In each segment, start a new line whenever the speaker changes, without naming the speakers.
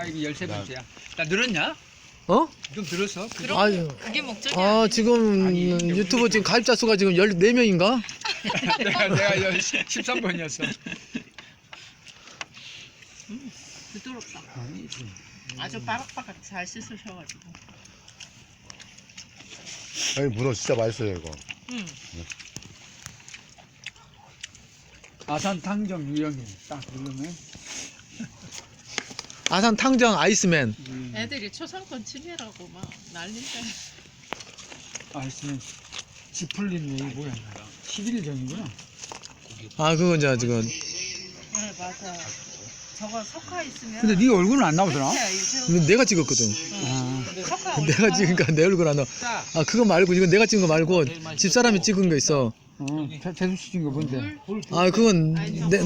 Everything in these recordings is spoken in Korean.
이게 13번째야. 나 늘었냐?
어?
좀 늘었어?
그럼
아유.
그게 목적이
아,
아니지.
지금
아니,
유튜브 지금 가입자 수가 지금 14명인가?
내가 13번이었어.
부드럽다. 아주 바삭바삭 잘 씻으셔가지고.
아니 문어 진짜 맛있어요 이거.
응.
아산 탕정 유형이 딱 누르면
아산 탕정 아이스맨.
애들이 초상권 침해라고 막 난린다.
아이스는 지풀린 이 뭐야? 11일 전이구나.
아, 그건 이제 지금.
네 맞아. 저거 석화 있으면.
근데 네 얼굴은 안 나오더라.
이건 내가 찍었거든.
아,
석화
내가 찍으니까 내 얼굴 안 나와.
자,
아, 그거 말고, 이건 내가 찍은 거 말고, 집사람이 찍은 거 있어.
재수 씨 찍은 거 뭔데?
아, 그건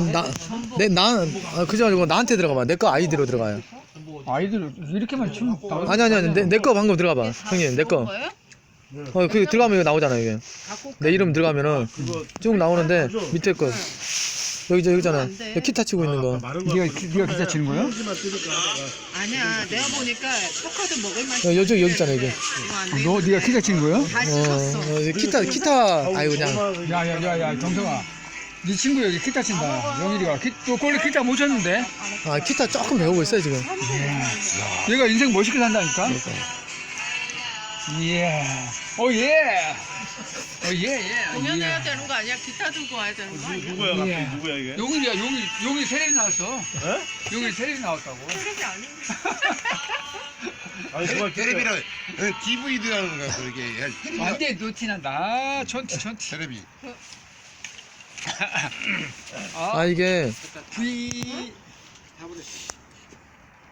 그지 말고 나한테 들어가봐. 내 거 아이디로 들어가요.
아이들 이렇게만 치면
아니, 내 거 방금 들어가봐. 형님, 내 거. 그 들어가면 이거 나오잖아, 이게. 내 이름 들어가면은 쭉 나오는데, 밑에 거. 여기잖아. 여기 기타 치고 있는 거.
네가 기타 치는 거야?
아니야. 내가 보니까 석화도 먹을 맛이.
여기 있잖아, 이게.
이거 안 돼.
네가 기타 치는 거야?
다 씻었어.
기타, 아이고, 그냥.
야야야야 정성아, 네 친구 여기 기타 친다. 영일이가 너 원래 기타 못 쳤는데?
아, 기타 조금 배우고 있어요, 지금.
얘가 인생 멋있게 산다니까? 예. 오예. 오예.
공연해야 되는 거 아니야? 기타 들고 와야 되는 거 아니야?
누구야 갑자기 누구야 이게?
용일이야. 용일 테레비 나왔어. 용일 테레비 나왔다고.
테레비 아닌데.
아니 정말
테레비랑 DVD라는 거야 그게.
완전 노티난다. 전티.
테레비.
아, 이게.
V. 다 버렸어.